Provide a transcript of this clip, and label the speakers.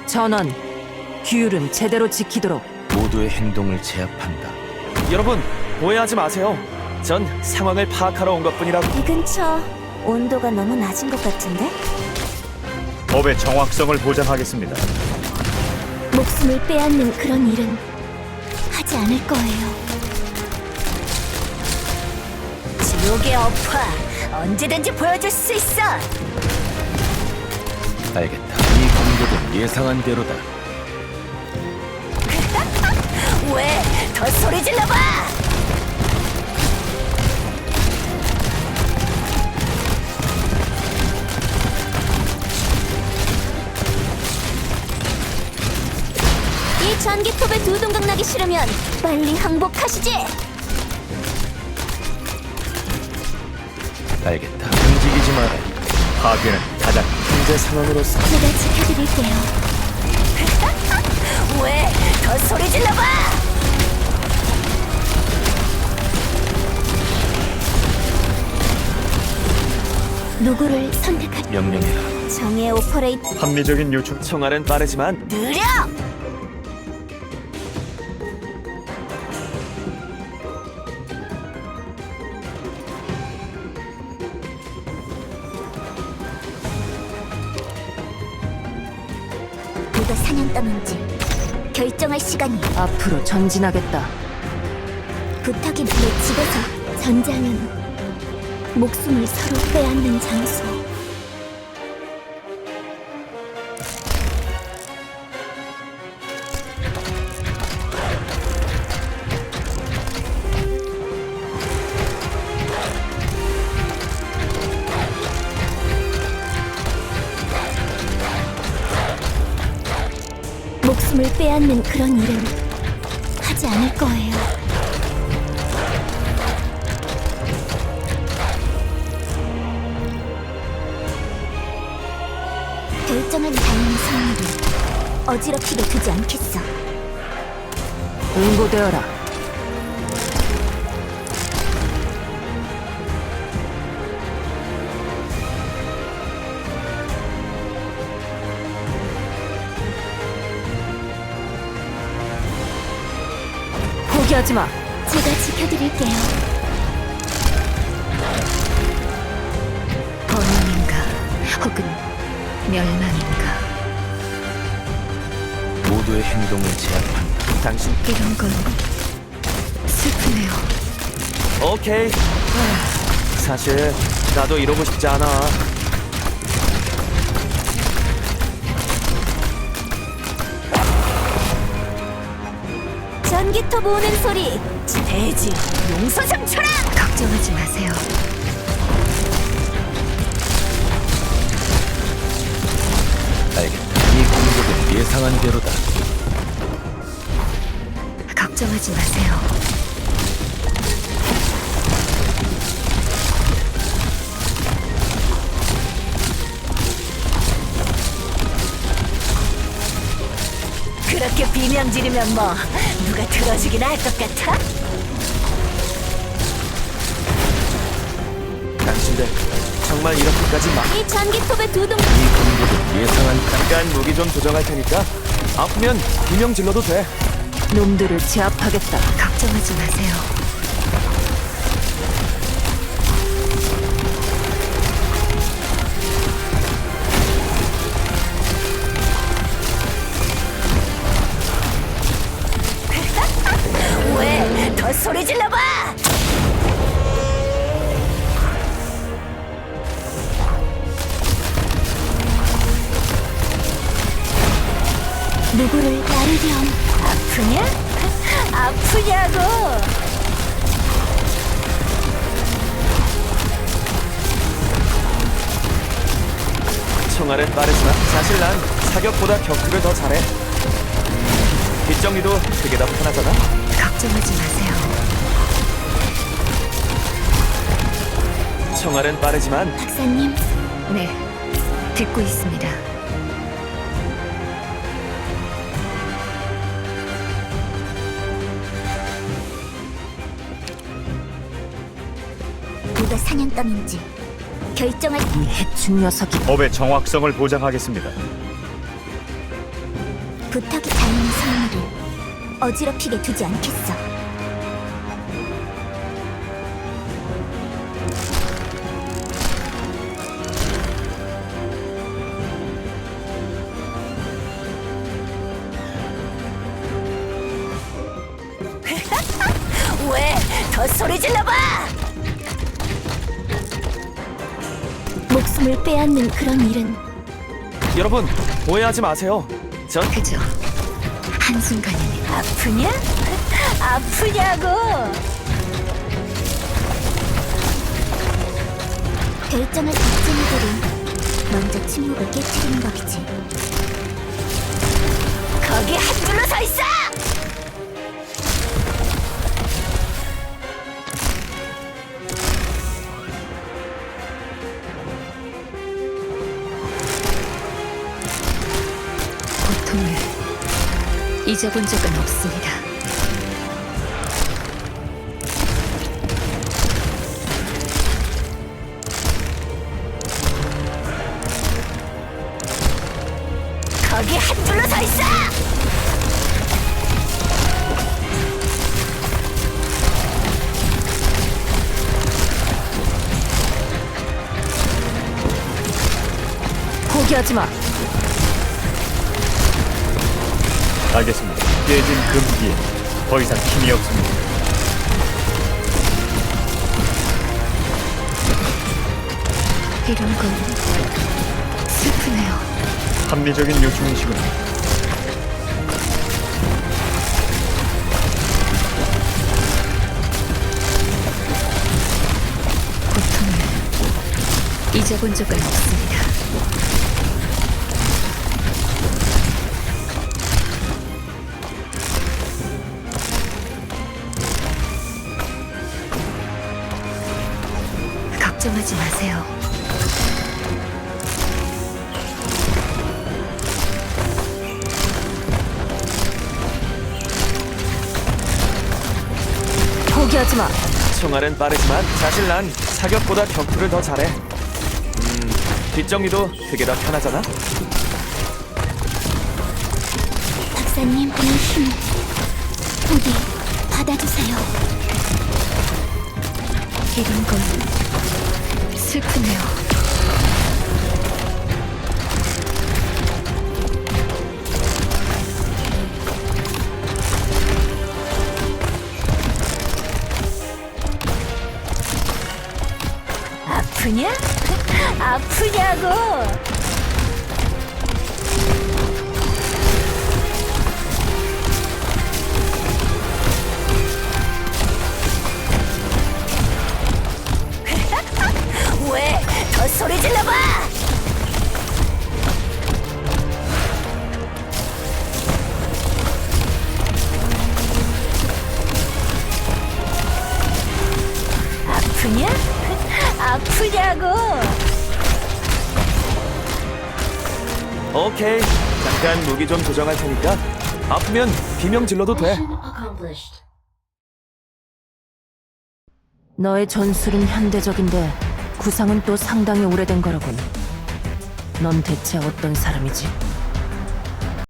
Speaker 1: 전원, 규율은 제대로 지키도록.
Speaker 2: 모두의 행동을 제압한다.
Speaker 3: 여러분, 오해하지 마세요. 전 상황을 파악하러 온 것뿐이라고.
Speaker 4: 이 근처 온도가 너무 낮은 것 같은데?
Speaker 5: 법의 정확성을 보장하겠습니다.
Speaker 4: 목숨을 빼앗는 그런 일은 하지 않을 거예요. 지옥의 어파 언제든지 보여줄 수 있어.
Speaker 2: 알겠다. 이 공격은 예상한 대로다.
Speaker 4: 왜? 더 소리 질러봐! 이 전기톱에 두 동강 나기 싫으면 빨리 항복하시지!
Speaker 2: 알겠다. 움직이지 마라.
Speaker 5: 파괴는 가장
Speaker 3: 현재 상황으로서
Speaker 4: 제가 지켜드릴게요. 왜? 더 소리 질러봐! 누구를 선택할
Speaker 2: 명령해라.
Speaker 4: 정의 오퍼레이트
Speaker 5: 합리적인 요청.
Speaker 3: 총알은 빠르지만
Speaker 4: 느려! 누가 사냥감인지 결정할 시간이.
Speaker 1: 앞으로 전진하겠다.
Speaker 4: 부탁이 내 집에서 전쟁은 목숨을 서로 빼앗는 장소. 목숨을 빼앗는 그런 일은 하지 않을 거예요. 결정한 당연히 승리를 어지럽히게 두지 않겠어.
Speaker 1: 응고되어라. 포기하지 마.
Speaker 4: 제가 지켜드릴게요.
Speaker 1: 번영인가 혹은 멸망인가.
Speaker 2: 모두의 행동을 제압한다.
Speaker 3: 당신
Speaker 1: 이런 건 슬프네요.
Speaker 3: 오케이. 사실 나도 이러고 싶지 않아.
Speaker 4: 전기톱 오는 소리. 대지 용서상처럼.
Speaker 1: 걱정하지 마세요.
Speaker 2: 알겠다. 이 공격은 예상한 대로다.
Speaker 1: 걱정하지 마세요.
Speaker 4: 그렇게 비명 지르면 뭐 누가 들어주긴 할 것 같아?
Speaker 3: 당신들 정말 이렇게까지 막.
Speaker 4: 이 전기톱의 두 동.
Speaker 2: 이 공격은 예상한
Speaker 3: 잠깐 무기 좀 조정할 테니까 아프면 비명 질러도 돼.
Speaker 1: 놈들을 제압하겠다. 걱정하지 마세요.
Speaker 4: 왜? 더 소리 질러봐! 누구를 나르렴. 아프냐? 아프냐고!
Speaker 3: 총알은 빠르지만 사실 난 사격보다 격투를 더 잘해. 뒷정리도 그게 더 편하잖아.
Speaker 1: 걱정하지 마세요.
Speaker 3: 총알은 빠르지만
Speaker 4: 박사님,
Speaker 1: 네, 듣고 있습니다.
Speaker 4: 누가 사냥감인지 결정할.
Speaker 1: 이 해충 녀석이
Speaker 5: 법의 정확성을 보장하겠습니다.
Speaker 4: 부탁이 닿는 성물을 어지럽히게 두지 않겠어. 왜 더 소리 질러봐! 목숨을 빼앗는 그런 일은
Speaker 3: 여러분, 오해하지 마세요. 전
Speaker 1: 그저 한순간입니다.
Speaker 4: 아프냐? 아프냐고! 결정을 박진이들이 먼저 침묵을 깨트리는 법이지. 거기 한 줄로 서 있어!
Speaker 1: 고통을 잊어본 적은 없습니다.
Speaker 4: 거기 한 줄로 서 있어!
Speaker 1: 포기하지 마.
Speaker 5: 알겠습니다. 깨진 금기에 더 이상 힘이 없습니다.
Speaker 1: 이런 건 슬프네요.
Speaker 5: 합리적인 요청이시군요.
Speaker 1: 고통을 잊어본 적은 없습니다. 걱정하지 마세요. 포기하지 마.
Speaker 3: 총알은 빠르지만 사실 난 사격보다 격투를 더 잘해. 뒷정리도 그게 더 편하잖아.
Speaker 4: 박사님, 이 힘 부디 받아주세요.
Speaker 1: 이런 건 슬프네요.
Speaker 4: 아프냐? 아프냐고! 왜 더 소리 질러봐! 아프냐? 아프냐고!
Speaker 3: 오케이. 잠깐 무기 좀 조정할 테니까 아프면 비명 질러도 돼.
Speaker 1: 너의 전술은 현대적인데 구상은 또 상당히 오래된 거라군. 넌 대체 어떤 사람이지?